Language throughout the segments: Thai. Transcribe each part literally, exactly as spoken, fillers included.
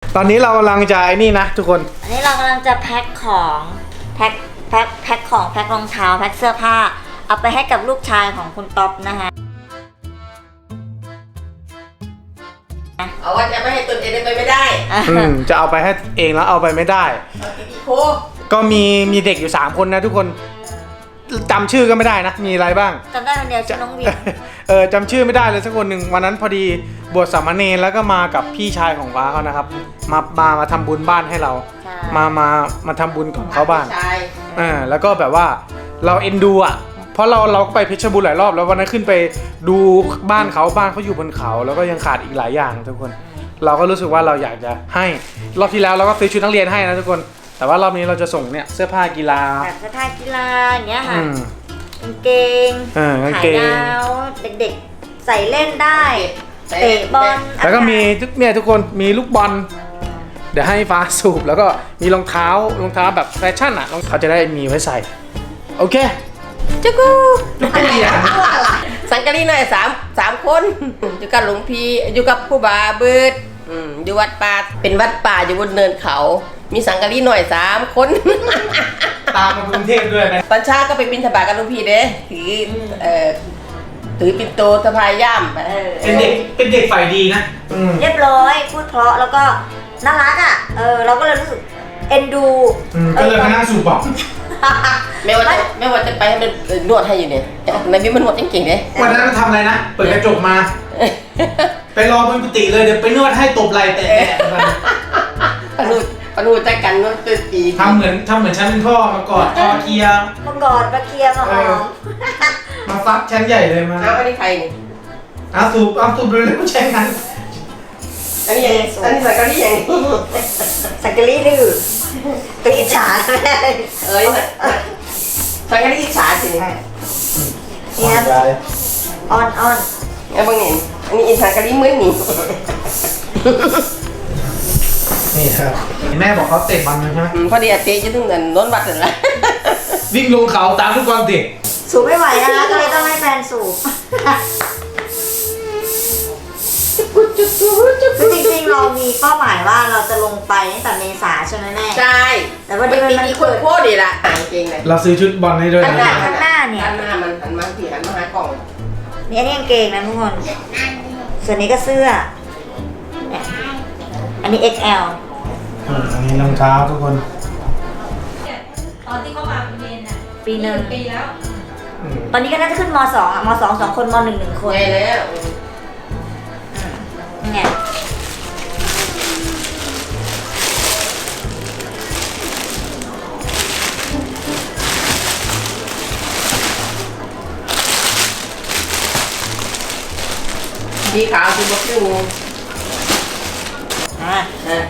ตอนนี้เรากำลังจะไอ้นี่นะทุกคนอันนี้เรากำลังจะแพ็คของแพ็คแพ็คแพ็คของแพ็ครองเท้าแพ็คเสื้อผ้าเอาไปให้กับลูกชายของคุณต๊อบนะคะเอาว่าจะไม่ให้ตนเองไปไม่ได้อืมจะเอาไปให้เองแล้วเอาไปไม่ได้ก็มีมีเด็กอยู่สามคนนะทุกคนจำชื่อก็ไม่ได้นะมีอะไรบ้างจำได้คนเดียวชื่อน้องวินเออจำชื่อไม่ได้เลยสักคนหนึ่งวันนั้นพอดีบวชสามเณรแล้วก็มากับพี่ชายของฟ้าเขานะครับมามามาทำบุญบ้านให้เรามามามาทำบุญกับเขาบ้านอ่าแล้วก็แบบว่าเราเอ็นดูอ่ะเพราะเราเราก็ไปเพชรบูรณ์หลายรอบแล้ววันนั้นขึ้นไปดูบ้านเขาบ้านเขาอยู่บนเขาแล้วก็ยังขาดอีกหลายอย่างทุกคนเราก็รู้สึกว่าเราอยากจะให้รอบที่แล้วเราก็ซื้อชุดนักเรียนให้นะทุกคนแต่ว่ารอบนี้เราจะส่งเนี่ยเสื้อผ้ากีฬาแบบเสื้อผ้ากีฬาอย่างเงี้ยค่ะกางเกงขายยาวเด็กๆใส่เล่นได้เตะบอลแล้วก็มีทุกเนี่ยทุกคนมีลูกบอลเดี๋ยวให้ฟ้าสูบแล้วก็มีรองเท้ารองเท้าแบบแฟชั่นอ่ะเขาจะได้มีไว้ใส่โอเคจุกูสังกัดนี่หน่อยสามสามคนอยู่กับหลวงพี่อยู่กับครูบาเบิร์ดอยู่วัดป่าเป็นวัดป่าอยู่บนเนินเขามีสังกัดนี่หน่อยสามคนตามมากรุงเทพด้วยนะตอนเช้าก็ไปบิณฑบาตกับหลวงพี่เด้ถือเอ่อถือปิ่นโตสะพายย่ามเป็นเด็กเป็นเด็กฝ่ายดีนะเรียบร้อยพูดเพราะแล้วก็น่ารักอ่ะเออเราก็เลยรู้สึกเอ็นดูก็เลยมานั่งสูบบอกไม่ว่าจะไม่ว่าจะไปให้มันนวดให้อยู่เนี่ยในบิ๊กมันนวดจริงๆเนี่ยวันนั้นมันทำอะไรนะเปิดกระจกมาไปรอบนกุฏิเลยเดี๋ยวไปนวดให้ตบไหล่แต่ปนูปนูจักกันนวดตัวตีทำเหมือนทำเหมือนฉันเป็นพ่อมากอดคอเคลียมากอดมาเคลียมาหอมมาฟักชั้นใหญ่เลยมาเอาอันนี้ใครนี่เอาสูบเอาสูบเลยเลยผู้ชายนั้นอันนี้ยังอันนี้สังกัดนี่ยังสังกัดนี่ดื้อตัวอิจฉาเอ้ยสังกัดนี่อิจฉาสิเนี่ยออนออนไอ้บางนี่อันนี้อิจฉากัดนี่มือหนีนี่ครับแม่บอกเขาเตะบอลใช่ไหมพอดีเตะจะถึงเงินล้นบัตรเลยวิ่งลงเขาตามทุกคนเตะสูบไม่ไหวนะก็เลยต้องให้แฟนสูบคือจริงๆเรามีเป้าหมายว่าเราจะลงไปตั้งแต่เมษาใช่ไหมแม่ใช่แต่ว่าเดือนมันโคตรดีละจริงเลยเราซื้อชุดบอลให้ด้วยนะข้างหน้าเนี่ยข้างหน้ามันหันมาที่หันมาหากล่องนี่อันนี้กางเกงนะทุกคนส่วนนี้ก็เสื้ออันนี้ เอ็กซ์ แอลอันนี้รองเท้าทุกคนตอนที่เขามาเรียนอ่ะปีหนึ่งปีแล้วตอนนี้ก็น่าจะขึ้นมสองอ่ะมสองสองคนมหนึ่งหนึ่งคนใช่แล้วเนี่ยสีขาวสีบลูอ่ะเออ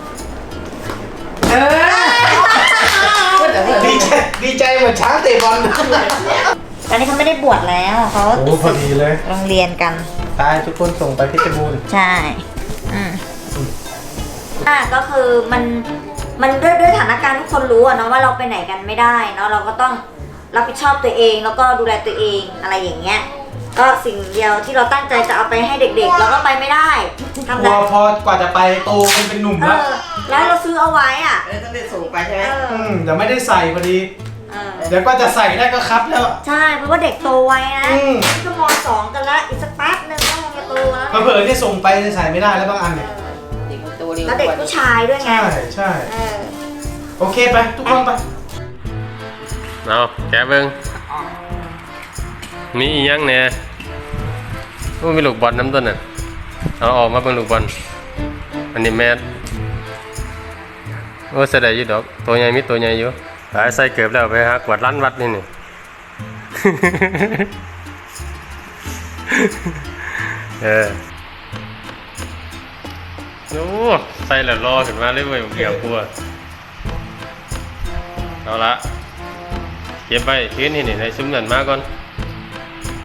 ดีใจดีใจเหมือนช้างเตะบอลตอนนี้เขาไม่ได้บวชแล้วเขาโอ้พอดีเลยโรงเรียนกันตายทุกคนส่งไปเพชรบูรณ์ใช่อืมอ่ะก็คือมันมันด้วยด้วยสถานการณ์ทุกคนรู้อะเนาะว่าเราไปไหนกันไม่ได้เนาะเราก็ต้องรับผิดชอบตัวเองแล้วก็ดูแลตัวเองอะไรอย่างเงี้ยก็สิ่งเดียวที่เราตั้งใจจะเอาไปให้เด็กๆเราก็ไปไม่ได้ทำได้พอกว่าจะไปโตเป็นหนุ่มแล้วแล้วเราซื้อเอาไว้อ่ะต้องได้ส่งไปใช่ไหมเดี๋ยวไม่ได้ใส่พอดีเดี๋ยวก็จะใส่ได้ก็ครับแล้วใช่เพราะว่าเด็กโตไว้นะก็มสองกันแล้วอีกสักแป๊บนึงก็จะโตแล้วเผลอๆที่ส่งไปใส่ไม่ได้แล้วบางอันเนี่ยแล้วเด็กผู้ชายด้วยไงใช่ใช่โอเคไปทุกคนไปเอาแกะเบิ้งมีอีกยังเนี่ยมีลูกบอลน้ำต้นน่ะเอาออกมาเป็นลูกบอลอันนี้แมสโอ้เสียดายอยู่ดอกตัวใหญ่มีตัวใหญ่อยู่หายใส่เกือบแล้วไปฮะกวาดร้านวัดนี่นี่เออโอ้ใส่แล้วรอขึ้นมาเลยเว้ยเกี่ยวกลัวเอาละเก็บไปพื้นนี่นี่ในซุ้มนั่นมาก่อน